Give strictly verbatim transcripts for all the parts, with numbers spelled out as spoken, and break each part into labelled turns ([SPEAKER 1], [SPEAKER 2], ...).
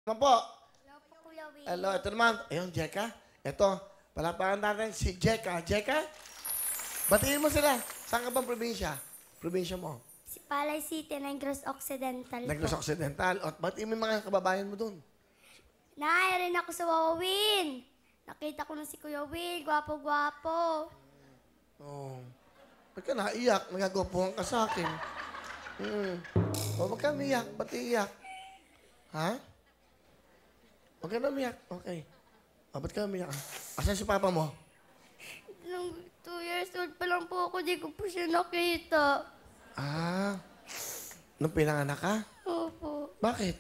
[SPEAKER 1] Ano po?
[SPEAKER 2] Hello po, Kuya Will.
[SPEAKER 1] Hello, ito naman. Ayun, Jeka. Ito, palapakan natin si Jeka. Jeka, batiin mo sila. Saan ka bang probinsya? Probinsya mo?
[SPEAKER 2] Si Palay City, Negros Occidental
[SPEAKER 1] Negros
[SPEAKER 2] po.
[SPEAKER 1] Occidental. At batiin mo yung mga kababayan mo dun.
[SPEAKER 2] Nay, rin ako sa Wawawin. Nakita ko na si Kuya Will. Gwapo-gwapo.
[SPEAKER 1] Oh. Ba't ka naiyak? Nagagopohan ka sa akin. Hmm. O, ba't ka umiyak? Ba't iiyak? Ha? Huwag ka na umiyak. Okay. O, ba't ka umiyak? Asan si papa mo?
[SPEAKER 2] Nung two years old pa lang po ako, di ko po siya nakita.
[SPEAKER 1] Ah. Nung pinanganak ka?
[SPEAKER 2] Opo.
[SPEAKER 1] Bakit?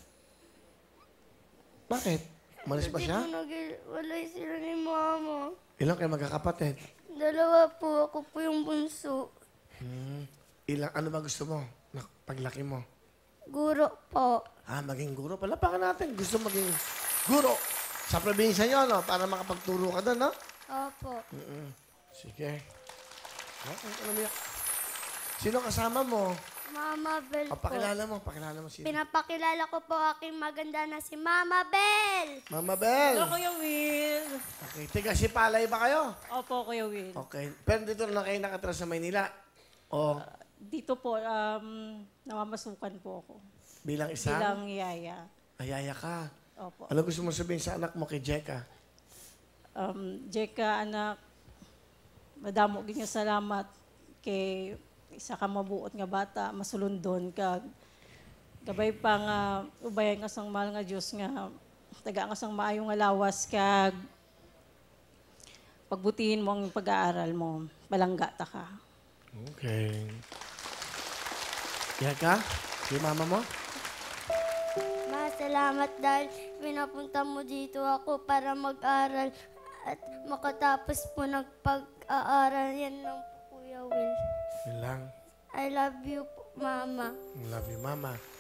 [SPEAKER 1] Bakit? Umalis ba
[SPEAKER 2] Hindi
[SPEAKER 1] siya?
[SPEAKER 2] po nag-walay sila ni Mama.
[SPEAKER 1] Ilang kayo magkakapatid?
[SPEAKER 2] Dalawa po, ako po yung bunso.
[SPEAKER 1] Hmm. Ilang, ano ba gusto mo? Na, paglaki mo?
[SPEAKER 2] Guro po.
[SPEAKER 1] Ah, maging guro. Palapakan natin. Gusto maging guro. Sa probinsya nyo, no? Para makapagturo ka doon, no?
[SPEAKER 2] Opo.
[SPEAKER 1] Mm-mm. Sige. Oh, ano umiyak? Sino kasama mo?
[SPEAKER 2] Mama Bell
[SPEAKER 1] O,
[SPEAKER 2] po.
[SPEAKER 1] pakilala mo. Pakilala mo sino.
[SPEAKER 2] Pinapakilala ko po aking maganda na si Mama Bell.
[SPEAKER 1] Mama Bell.
[SPEAKER 3] Hello, Kuya Will.
[SPEAKER 1] Okay. Tiga si Palay ba kayo?
[SPEAKER 3] Opo, Kuya Will.
[SPEAKER 1] Okay. Pero dito na kayo nakatira sa Maynila. O,
[SPEAKER 3] Dito po, um, namamasukan po ako.
[SPEAKER 1] bilang isang
[SPEAKER 3] Bilang yaya.
[SPEAKER 1] ayaya ka.
[SPEAKER 3] Opo.
[SPEAKER 1] Ano gusto mo sabihin sa anak mo kay Jeka?
[SPEAKER 3] Um, Jeka, anak, madamo gid nga salamat kay isa ka mabuot nga bata, masulundon ka. Gabay pa nga, ubayan nga sang mahal nga Diyos nga, taga nga sang maayo nga lawas kag pagbutihin mo ang pag-aaral mo, balangga ta ka.
[SPEAKER 1] Okay. Jeka, si mama mo?
[SPEAKER 2] Ma, salamat dahil pinapunta mo dito ako para mag-aral at makatapos po ng pag-aaral. Yan lang po, Kuya Will.
[SPEAKER 1] Yun lang.
[SPEAKER 2] I love you po, Mama.
[SPEAKER 1] Love you, mama.